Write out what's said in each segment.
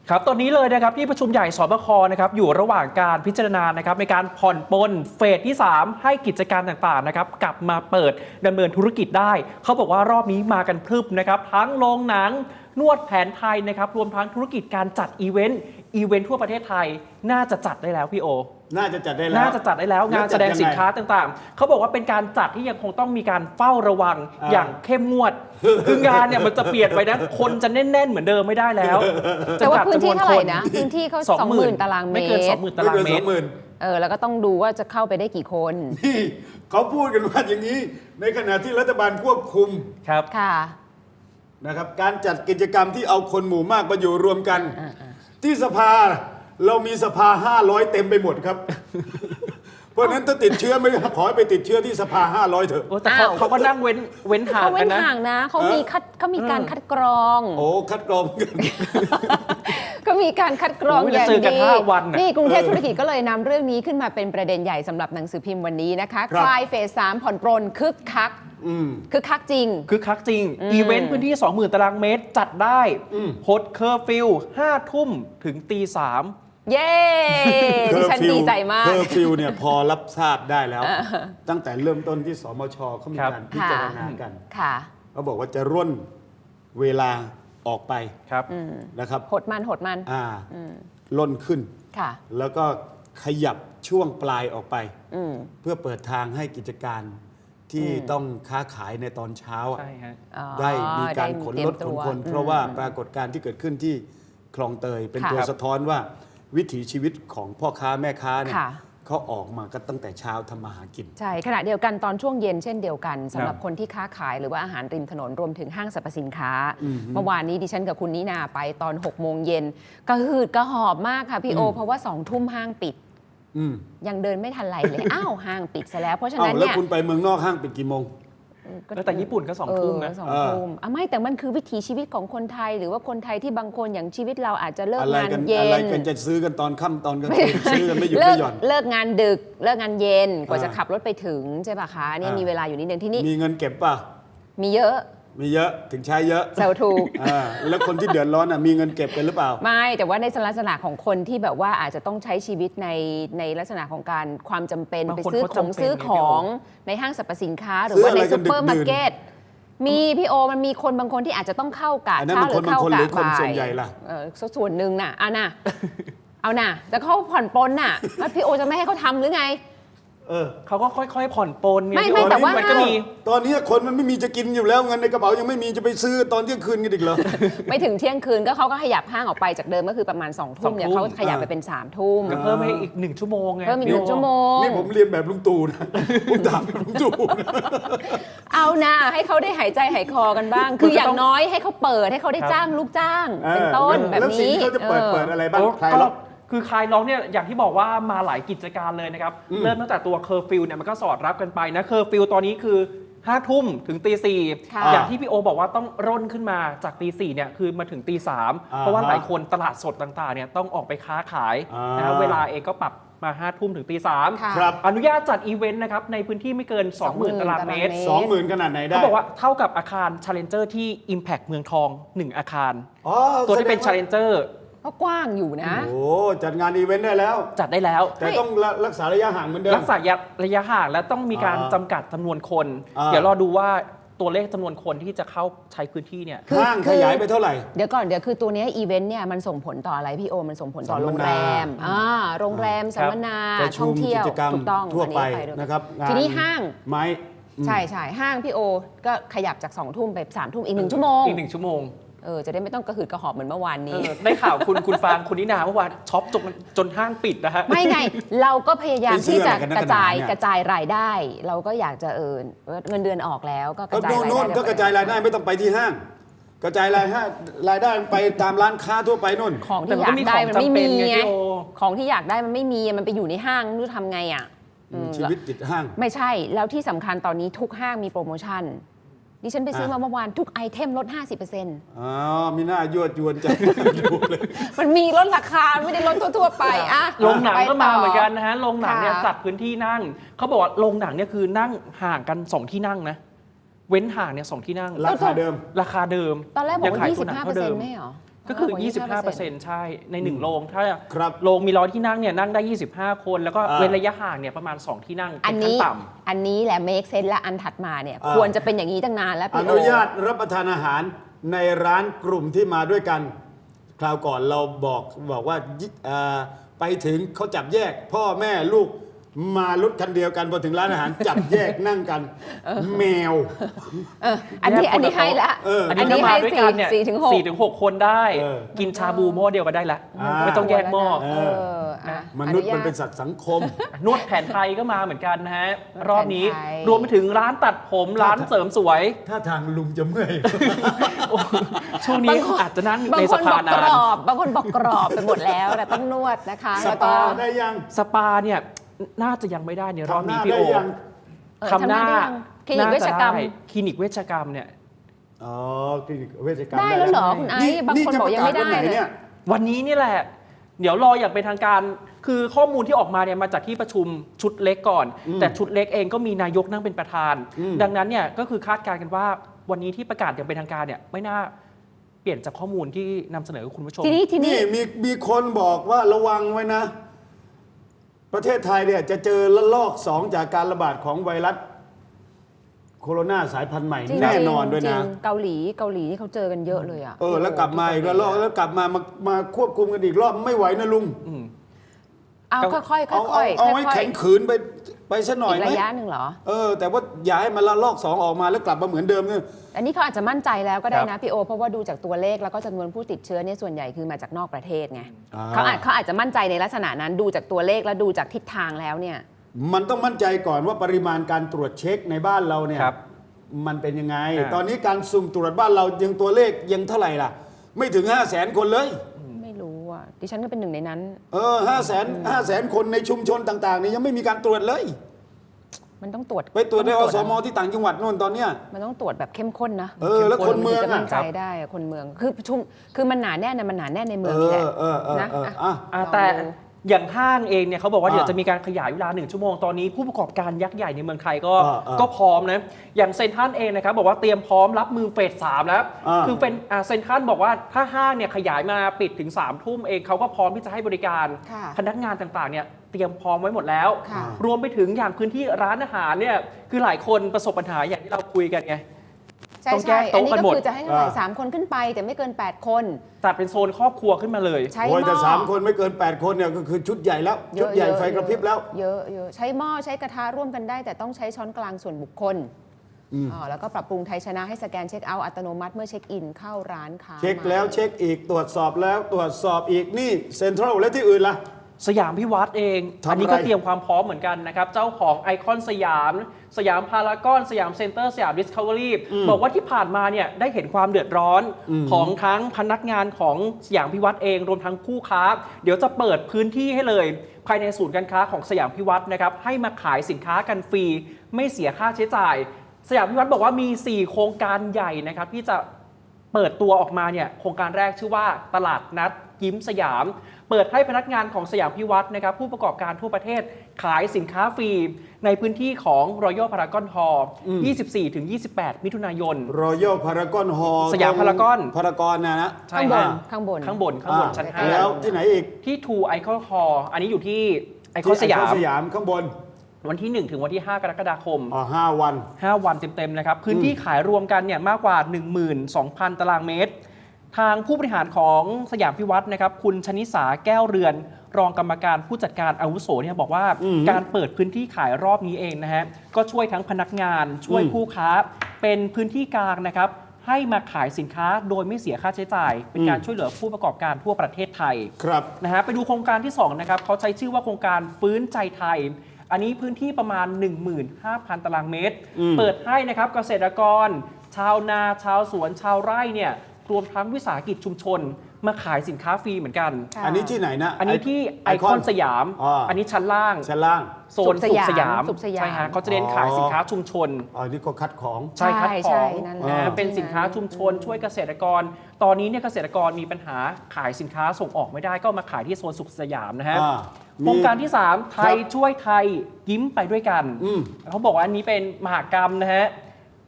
ครับตอนนี้เลยนะครับที่ประชุมใหญ่สบคนะครับอยู่ระหว่างการพิจารณานะครับในการผ่อนปลนเฟสที่ 3 ให้กิจการต่างๆนะครับกลับมาเปิดดำเนินธุรกิจได้เขาบอกว่ารอบนี้มากันพรึบนะครับทั้งโรงหนังนวดแผนไทยนะครับรวมทั้งธุรกิจการจัดอีเวนต์ทั่วประเทศไทยน่าจะจัดได้แล้วพี่โอน่าจะจัดได้แล้วงานแสดงสินค้าต่างๆเขาบอกว่าเป็นการจัดที่ยังคงต้องมีการเฝ้าระวังอย่างเข้มงวดคืองานเนี่ยมันจะเปลี่ยนไปนะคนจะแน่นๆเหมือนเดิมไม่ได้แล้วแต่ว่าพื้นที่เท่าไหร่นะพื้นที่เขา 20,000 ตารางเมตรไม่เกิน 20,000 ตารางเมตรแล้วก็ต้องดูว่าจะเข้าไปได้กี่คนนี่เขาพูดกันว่าอย่างนี้ในขณะที่รัฐบาลควบคุมครับค่ะนะครับการจัดกิจกรรมที่เอาคนหมู่มากมาอยู่รวมกันที่สภาเรามีสภา500เต็มไปหมดครับเพราะนั้นถ้าติดเชื้อไม่ขอให้ไปติดเชื้อที่สภา500เถอะแต่เขาก็นั่งเว้นห่างกันนะเขามีการคัดกรองคัดกรองก็มีการคัดกรองอย่างดีนี่กรุงเทพธุรกิจก็เลยนำเรื่องนี้ขึ้นมาเป็นประเด็นใหญ่สำหรับหนังสือพิมพ์วันนี้นะคะคลายเฟส 3ผ่อนปรนคึกคักจริงอีเวนต์พื้นที่ 20,000 ตารางเมตรจัดได้ฮดเคอร์ฟิว5 ทุ่มถึงตี 3 เย้ดิฉันดีใจมากเคอร์ฟิวเนี่ยพอรับทราบได้แล้วตั้งแต่เริ่มต้นที่สมชเขามีการพิจารณากันเขาบอกว่าจะร่นเวลาออกไปนะครับหดมันล่นขึ้นแล้วก็ขยับช่วงปลายออกไปเพื่อเปิดทางให้กิจการที่ต้องค้าขายในตอนเช้าได้มีการขนรถขนคนเพราะว่าปรากฏการณ์ที่เกิดขึ้นที่คลองเตยเป็นตัวสะท้อนว่าวิถีชีวิตของพ่อค้าแม่ค้าเนี่ยเขาออกมาก็ตั้งแต่เช้าทำมาหากินใช่ขณะเดียวกันตอนช่วงเย็นเช่นเดียวกันสำหรับคนที่ค้าขายหรือว่าอาหารริมถนนรวมถึงห้างสรรพสินค้าเมื่อวานนี้ดิฉันกับคุณนินาไปตอน6 โมงเย็นกระหืดกระหอบมากค่ะพี่โอเพราะว่า2 ทุ่มห้างปิดยังเดินไม่ทันไรเลยอ้าวห้างปิดซะแล้วเพราะฉะนั้นเนี่ยแล้วคุณไปเมืองนอกห้างปิดกี่โมงแต่ญี่ปุ่นก็2 ทุ่มนะ 2 ทุ่มไม่แต่มันคือวิถีชีวิตของคนไทยหรือว่าคนไทยที่บางคนอย่างชีวิตเราอาจจะเลิกงานเย็นอะไรกันจะซื้อกันตอนค่ำตอนกลางคืนซื้อกันไม่หยุดไม่หย่อนเลิกงานดึกเลิกงานเย็นกว่าจะขับรถไปถึงใช่ป่ะคะนี่มีเวลาอยู่นิดนึงที่นี่มีเงินเก็บป่ะมีเยอะถึงใช้เยอะเซลถูกแล้วคนที่เดือดร้อนมีเงินเก็บกันหรือเปล่าไม่แต่ว่าในลักษณะของคนที่แบบว่าอาจจะต้องใช้ชีวิตในลักษณะของการความจำเป็นไปซื้อของในห้างสรรพสินค้าหรือว่าในซุปเปอร์มาร์เก็ตมีพี่โอมันมีคนบางคนที่อาจจะต้องเข้ากะเช้าหรือเข้ากะบ่ายส่วนใหญ่ล่ะส่วนหนึ่งน่ะเอาน่ะแต่เขาผ่อนปลนน่ะแล้วพี่โอจะไม่ให้เขาทำหรือไงเขาก็ค่อยๆผ่อนปลนไม่แต่ว่ามันก็มีตอนนี้คนมันไม่มีจะกินอยู่แล้วเงินในกระเป๋ายังไม่มีจะไปซื้อตอนเที่ยงคืนกันอีกเหรอไม่ถึงเที่ยงคืนก็เขาก็ขยับห้างออกไปจากเดิมก็คือประมาณ2 ทุ่มเนี่ยเขาขยับไปเป็น3 ทุ่มก็เพิ่มให้อีก1 ชั่วโมงไงเพิ่มอีก1 ชั่วโมงนี่ผมเรียนแบบลุงตู่นะผมถามลุงตู่เอานะให้เขาได้หายใจหายคอกันบ้างคืออย่างน้อยให้เขาเปิดให้เขาได้จ้างลูกจ้างเป็นต้นแบบนี้แล้วสิ่งที่เขาจะเปิดอะไรบ้างใครล็อกคือคลายล็อกเนี่ยอย่างที่บอกว่ามาหลายกิจการเลยนะครับเริ่มตั้งแต่ตัวเคอร์ฟิวเนี่ยมันก็สอดรับกันไปนะเคอร์ฟิวตอนนี้คือ5 ทุ่มถึงตี 4อย่างที่พี่โอบอกว่าต้องร่นขึ้นมาจากตี 4เนี่ยคือมาถึงตี 3เพราะว่าหลายคนตลาดสดต่างๆเนี่ยต้องออกไปค้าขายนะเวลาเองก็ปรับมา5 ทุ่มถึงตี 3อนุญาตจัดอีเวนต์นะครับในพื้นที่ไม่เกิน 20,000 ตารางเมตร 20,000 ขนาดไหนได้เขาบอกว่าเท่ากับอาคาร Challenger ที่ Impact เมืองทอง1 อาคารตัวที่เป็น Challenger ก็กว้างอยู่นะโอ้จัดงานอีเวนต์ได้แล้วจัดได้แล้วแต่ต้องรักษาระยะห่างเหมือนเดิมรักษาระยะห่างและต้องมีการจำกัดจำนวนคนเดี๋ยวรอดูว่าตัวเลขจำนวนคนที่จะเข้าใช้พื้นที่เนี่ยห้างขยายไปเท่าไหร่เดี๋ยวคือตัวนี้อีเวนต์เนี่ยมันส่งผลต่ออะไรพี่โอมันส่งผลต่อโรงแรมโรงแรมสัมมนาท่องเที่ยวถูกต้องทั่วไปนะครับทีนี้ห้างไม้ใช่ห้างพี่โอก็ขยับจาก2 ทุ่มไป3 ทุ่มอีก1 ชั่วโมงจะได้ไม่ต้องกระหืดกระหอบเหมือนเมื่อวานนี้ได้ข่าวคุณฟางคุณนินาเมื่อวานช็อปจนห้างปิดนะฮะไม่ไงเราก็พยายามที่จะกระจายรายได้เราก็อยากจะเงินเดือนออกแล้วก็กระจายรายได้ก็กระจายรายได้ไม่ต้องไปที่ห้างกระจายรายได้ไปตามร้านค้าทั่วไปนู่นของที่อยากได้มันไม่มีไงของที่อยากได้มันไม่มีมันไปอยู่ในห้างรู้ทำไงอ่ะชีวิตติดห้างไม่ใช่แล้วที่สำคัญตอนนี้ทุกห้างมีโปรโมชั่นดิฉันไปซื้อมาเมื่อวานทุกไอเทมลด 50% มีหน้ายั่วยวนใจมันมีลดราคาไม่ได้ลดทั่วๆไปโรงหนังก็มาเหมือนกันนะฮะโรงหนังเนี่ยจัดพื้นที่นั่งเขาบอกว่าโรงหนังเนี่ยคือนั่งห่างกัน2 ที่นั่งนะเว้นห่างเนี่ย2 ที่นั่งราคาเดิมตอนแรกบอกว่า 25% ไม่หรอก็คือ 25%ใช่ ใน1โรงถ้าโรงมี100ที่นั่งเนี่ยนั่งได้ 25 คน แล้วก็เว้นระยะห่างเนี่ยประมาณ 2 ที่นั่งเป็นขั้นต่ำอันนี้แหละเมคเซนและอันถัดมาเนี่ยควรจะเป็นอย่างนี้ตั้งนานแล้วอพี่โอนุญาตรับประทานอาหารในร้านกลุ่มที่มาด้วยกัน คราวก่อนเราบอกว่าไปถึงเขาจับแยก พ่อแม่ลูกมารถคันเดียวกันพอถึงร้านอาหาร จับแยกนั่งกันแมวอันนี้ให้ละอันนี้ให้4 ถึง 6 คนได้กินชาบูหม้อเดียวกันได้ละไม่ต้องแยกหม้อมนุษย์มันเป็นสัตว์สังคมนวดแผนไทยก็มาเหมือนกันนะฮะรอบนี้รวมไปถึงร้านตัดผมร้านเสริมสวยถ้าทางลุงจะเมื่อยช่วงนี้อาจจะนั่งในสภานานบางคนบอกกรอบไปหมดแล้วแต่ต้องนวดนะคะสปาได้ยังสปาเนี่ยน่าจะยังไม่ได้เนี่ยรอบนี้พี่โอทำหน้าคลินิกเวชกรรมคลินิกเวชกรรมเนี่ยคลินิกเวชกรรมได้แล้วเหรอคุณไอ้บางคนบอกยังไม่ได้เลยวันนี้นี่แหละเดี๋ยวรออย่างเป็นทางการคือข้อมูลที่ออกมาเนี่ยมาจากที่ประชุมชุดเล็กก่อนแต่ชุดเล็กเองก็มีนายกนั่งเป็นประธานดังนั้นเนี่ยก็คือคาดการณ์กันว่าวันนี้ที่ประกาศอย่างเป็นทางการเนี่ยไม่น่าเปลี่ยนจากข้อมูลที่นำเสนอคุณผู้ชมทีนี้มีคนบอกว่าระวังไว้นะประเทศไทยเนี่ยจะเจอระลอก2จากการระบาดของไวรัสโคโรนาสายพันธุ์ใหม่แน่นอนด้วยนะเกาหลีนี่เขาเจอกันเยอะเลยอ่ะแล้วกลับมาอีกระลอกแล้วกลับมาควบคุมกันอีกรอบไม่ไหวนะลุงเอาค่อยๆเอาให้แข็งขืนไปซะหน่อยไหมระยะหนึ่งเหรอแต่ว่าอย่าให้มันระลอก2ออกมาแล้วกลับมาเหมือนเดิมเนี่ยอันนี้เขาอาจจะมั่นใจแล้วก็ได้นะพี่โอเพราะว่าดูจากตัวเลขแล้วก็จำนวนผู้ติดเชื้อเนี่ยส่วนใหญ่คือมาจากนอกประเทศไงเขาอาจจะมั่นใจในลักษณะนั้นดูจากตัวเลขแล้วดูจากทิศทางแล้วเนี่ยมันต้องมั่นใจก่อนว่าปริมาณการตรวจเช็คในบ้านเราเนี่ยมันเป็นยังไงตอนนี้การสุ่มตรวจบ้านเรายังตัวเลขยังเท่าไหร่ล่ะไม่ถึง 500,000 คนเลยไม่รู้อ่ะดิฉันก็เป็นหนึ่งในนั้น 500,000 คนในชุมชนต่างๆนี่ยังไม่มีการตรวจเลยมันต้องตรวจไปตรวจในอสมที่ต่างจังหวัดนู่นตอนเนี้ยมันต้องตรวจแบบเข้มข้นนะแล้วคนเมืองจะมั่นใจได้คนเมืองคือมันหนาแน่นมันหนาแน่นในเมืองนี่แหละนะแต่อย่างห้างเองเนี่ยเขาบอกว่าเดี๋ยวจะมีการขยายเวลา1 ชั่วโมงตอนนี้ผู้ประกอบการยักษ์ใหญ่ในเมืองไทยก็พร้อมนะอย่างเซ็นทรัลเองนะครับบอกว่าเตรียมพร้อมรับมือเฟส 3แล้วคือเป็นเซ็นทรัลบอกว่าถ้าห้างเนี่ยขยายมาปิดถึง3 ทุ่มเองเขาก็พร้อมที่จะให้บริการพนักงานต่างๆเนี่ยเตรียมพร้อมไว้หมดแล้วรวมไปถึงอย่างพื้นที่ร้านอาหารเนี่ยคือหลายคนประสบปัญหาอย่างที่เราคุยกันไงต้องแก้โต๊ะกันหมดอันนี้ก็คือจะให้เท่าไหร่3 คนขึ้นไปแต่ไม่เกิน8 คนจัดเป็นโซนครอบครัวขึ้นมาเลยใช้หม้อแต่3 คนไม่เกิน8 คนเนี่ยก็คือชุดใหญ่แล้วชุดใหญ่ไฟกระพริบแล้วเยอะใช้หม้อใช้กระทะร่วมกันได้แต่ต้องใช้ช้อนกลางส่วนบุคคลแล้วก็ปรับปรุงไทยชนะให้สแกนเช็คเอาท์อัตโนมัติเมื่อเช็คอินเข้าร้านค้าเช็คแล้วเช็คอีกตรวจสอบแล้วตรวจสอบอีกนี่เซ็นทรัลและที่อื่นล่ะสยามพิวัตรเองอันนี้ก็เตรียมความพร้อมเหมือนกันนะครับเจ้าของไอคอนสยามพารากอนสยามเซ็นเตอร์สยามดิสคัฟเวอรี่บอกว่าที่ผ่านมาเนี่ยได้เห็นความเดือดร้อนของทั้งพนักงานของสยามพิวัตรเองรวมทั้งคู่ค้าเดี๋ยวจะเปิดพื้นที่ให้เลยภายในศูนย์การค้าของสยามพิวัตรนะครับให้มาขายสินค้ากันฟรีไม่เสียค่าใช้จ่ายสยามพิวัตรบอกว่ามี4 โครงการใหญ่นะครับที่จะเปิดตัวออกมาเนี่ยโครงการแรกชื่อว่าตลาดนัดยิ้มสยามเปิดให้พนักงานของสยามพิวัตรนะครับผู้ประกอบการทั่วประเทศขายสินค้าฟรีในพื้นที่ของ Royal Paragon Hall 24-28 มิถุนายน Royal Paragon Hall สยามพารากอนนะข้างบนชั้น 5 แล้วที่ไหนอีกที่ Two Icon Hall อันนี้อยู่ที่ไอคอนสยามข้างบนวันที่1ถึงวันที่5กรกฎาคม 5 วันเต็มๆนะครับพื้นที่ขายรวมกันเนี่ยมากกว่า 12,000 ตารางเมตรทางผู้บริหารของสยามพิวัตรนะครับคุณชนิสาแก้วเรือนรองกรรมการผู้จัดการอาวุโสเนี่ยบอกว่าการเปิดพื้นที่ขายรอบนี้เองนะฮะก็ช่วยทั้งพนักงานช่วยผู้ค้าเป็นพื้นที่กลางนะครับให้มาขายสินค้าโดยไม่เสียค่าใช้จ่ายเป็นการช่วยเหลือผู้ประกอบการทั่วประเทศไทยครับนะฮะไปดูโครงการที่2นะครับเขาใช้ชื่อว่าโครงการฟื้นใจไทยอันนี้พื้นที่ประมาณ 15,000 ตารางเมตรเปิดให้นะครับเกษตรกรชาวนาชาวสวนชาวไร่เนี่ยรวมทั้งวิสาหกิจชุมชนมาขายสินค้าฟรีเหมือนกันอันนี้ที่ไหนนะอันนี้ที่ไอคอนสยามอันนี้ชั้นล่างโซนสุขสยามใช่ฮะเขาจะเน้นขายสินค้าชุมชนอันนี้ก็คัดของใช่คัดของเป็นสินค้าชุมชนช่วยเกษตรกรตอนนี้เนี่ยเกษตรกรมีปัญหาขายสินค้าส่งออกไม่ได้ก็มาขายที่โซนสุขสยามนะฮะโครงการที่3ไทยช่วยไทยยิ้มไปด้วยกันเขาบอกว่าอันนี้เป็นมหกรรมนะฮะ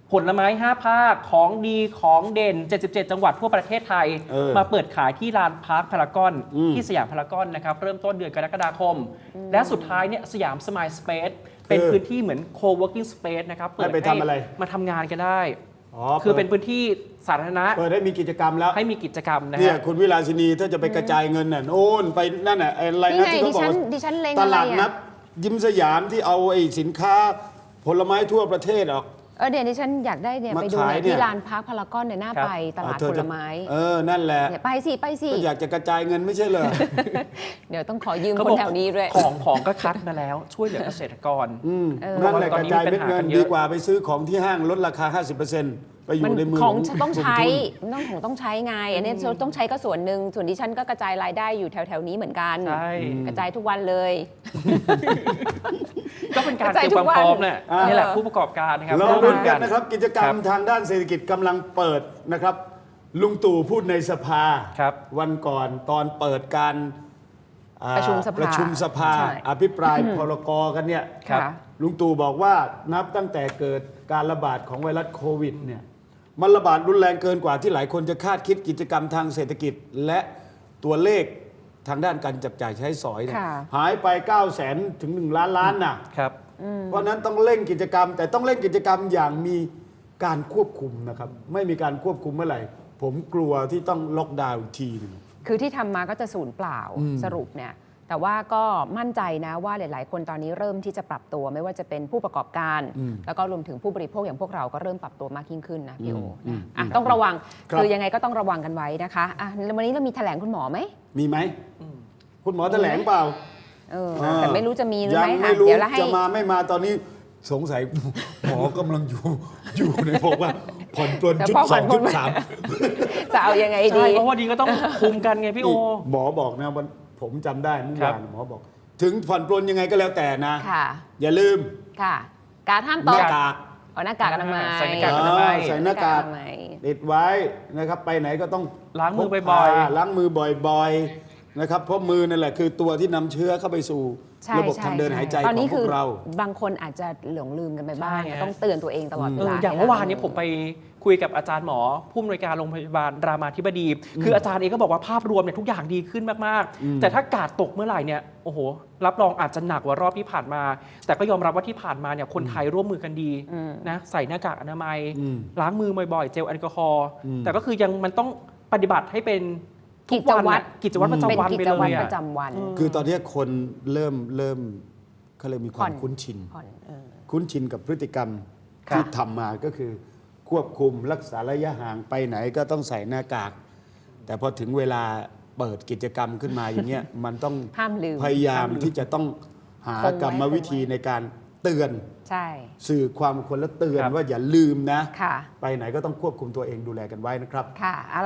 ผลไม้ 5 ภาคของดีของเด่น 77 จังหวัดทั่วประเทศไทย มาเปิดขายที่ลานพาร์คพารากอนที่สยามพารากอนนะครับ เริ่มต้นเดือนกรกฎาคม และสุดท้ายเนี่ยสยามสมายสเปซเป็นพื้นที่เหมือน co-working space นะครับ เปิดให้มาทำงานกันได้ คือเป็นพื้นที่สาธารณะเปิดให้มีกิจกรรมแล้วให้มีกิจกรรมนะเนี่ยฮะคุณวิลาสินีถ้าจะไปกระจายเงินน่ะโน่นไปนั่นน่ะอะไรนะที่เขาบอกว่าดิฉันเล็งตอะไรลาดนัอ่ะดยิ้มสยามที่เอาไอ้สินค้าผลไม้ทั่วประเทศออกเดี๋ยวดิฉันอยากได้เนี่ยมาไปดูขายเนี่ยเนี่ยที่ลานพาร์คพารากอนเนี่ยน่าไปตลาดเธอผลจะไม้นั่นแหละเนี่ยไปสิก็อยากจะกระจายเงินไม่ใช่เหรอเดี๋ยวต้องขอยืมเขาคบนอกแถวนี้ด้วยของก็คัดมาแล้วช่วยเหลือเกษตรกรนั่นแหละตอนกระนี้จายมีเม็ดปัญหาเงิกัน นเยดีอะกว่าไปซื้อของที่ห้างลดราคา 50%ไปอยู่ในมือของกลุ่มต้องใช้ทุนต้องใช้ไงอันนี้ต้องใช้ก็ส่วนหนึ่งส่วนดิฉันก็กระจายรายได้อยู่แถวๆนี้เหมือนกันใช่กระจายทุกวันเลยก็เป็นการเตรียมความพร้อมเนี่ยนี่แหละผู้ประกอบการนะครับเราร่วมลุ้มืนอกักัน นนะครับ กิจกรรมทางด้านเศรษฐกิจกำลังเปิดนะครับ ลุงตู่พูดในสภาครับวันก่อนตอนเปิดการประชุมสภาประชุมสภาใช่อภิปรายพรกกันเนี่ยครับค่ะลุงตู่บอกว่านับตั้งแต่เกิดการระบาดของไวรัสโควิดเนี่ยมันระบาดรุนแรงเกินกว่าที่หลายคนจะคาดคิดกิจกรรมทางเศรษฐกิจ และตัวเลขทางด้านการจับจ่ายใช้สอยเนี่ยค่ะหายไป 900,000 ถึง 1 ล้านล้านน่ะครับเพราะฉะนั้นต้องเร่งกิจกรรม แต่ต้องเร่งกิจกรรมอย่างมีการควบคุมนะครับ ไม่มีการควบคุมเมื่อไหร่ ผมกลัวที่ต้องล็อกดาวน์อีกทีหนึงคือที่ทำมาก็จะสูญเปล่าสรุปเนี่ยแต่ว่าก็มั่นใจนะว่าหลาย ๆ คนตอนนี้เริ่มที่จะปรับตัวไม่ว่าจะเป็นผู้ประกอบการ แล้วก็รวมถึงผู้บริโภคอย่างพวกเราก็เริ่มปรับตัวมากยิ่งขึ้นนะพี่โอนะต้องระวังครับคือยังไงก็ต้องระวังกันไว้นะคะวันนี้เรามีแถลงคุณหมอไหมมีไหมคุณหมอแถลงเปล่าแต่ไม่รู้จะมีหรือยัไม่ไม่รู้เดี๋ยวเราให้จะมาไม่มาตอนนี้สงสัย หมอกำลังอยู่ในบอกว่าผ่อนปลนจุดสองจุดสามจะเอายังไงดีใช่เพราะวันนี้ก็ต้องคุมกันไงพี่โอหมอบอกนะวันผมจำได้เมื่อครัวาบนหมอบอก ถึงผ่อนปลนยังไงก็แล้วแต่นะค่ะอย่าลืมค่ะ การห้ามหตน้าก กากเอาหน้ากากอนามัยใส่หน้ากากอนามัยใส่หน้ากากอนามัยติดไว้นะครับไปไหนก็ต้องล้างมือพกบ่อยพาล้างมือบ่อยๆนะครับเพราะมือนั่นแหละคือตัวที่นำเชื้อเข้าไปสู่ใช่ระบบใช่ทางเดินหายใจตอนขอนี้งพคืวอกเราบางคนอาจจะหลงลืมกันไปบ้างใช่ฮะต้องเตือนตัวเองตลอดเวลาอย่างเมื่อวานเนี้ผมไปคุยกับอาจารย์หมอผู้อำนวยการโรงพยาบาลรามาธิบดี คืออาจารย์เองก็บอกว่าภาพรวมเนี่ยทุกอย่างดีขึ้นมากๆ แต่ถ้ากาดตกเมื่อไหร่เนี่ยโอ้โหรับรองอาจจะหนักกว่ารอบที่ผ่านมา แต่ก็ยอมรับว่าที่ผ่านมาเนี่ยคนไทยร่วมมือกันดีนะใส่หน้ากากอนามัย ล้างมือบ่อยๆเจลแอลกอฮอล์แต่ก็คือยังมันต้องปฏิบัติให้เป็นทุกวันน่ะกิจวัตรประจำวันเป็นไปกิเลจวัตยรอะประจำวันคือตอนนี้คนเริ่มเขาเลยมีความผ่อนคุ้นชินผ่อนคุ้นชินกับพฤติกรรมครับที่ทำมาก็คือควบคุมรักษาระยะห่างไปไหนก็ต้องใส่หน้ากาก แต่พอถึงเวลาเปิดกิจกรรมขึ้นมาอย่างเงี้ย มันต้องห้ามลืมพยายามที่จะต้องหากรรมวิธีในการเตือนใช่สื่อความคนและเตือนครับว่าอย่าลืมนะค่ะไปไหนก็ต้องควบคุมตัวเองดูแลกันไว้นะครับค่ะ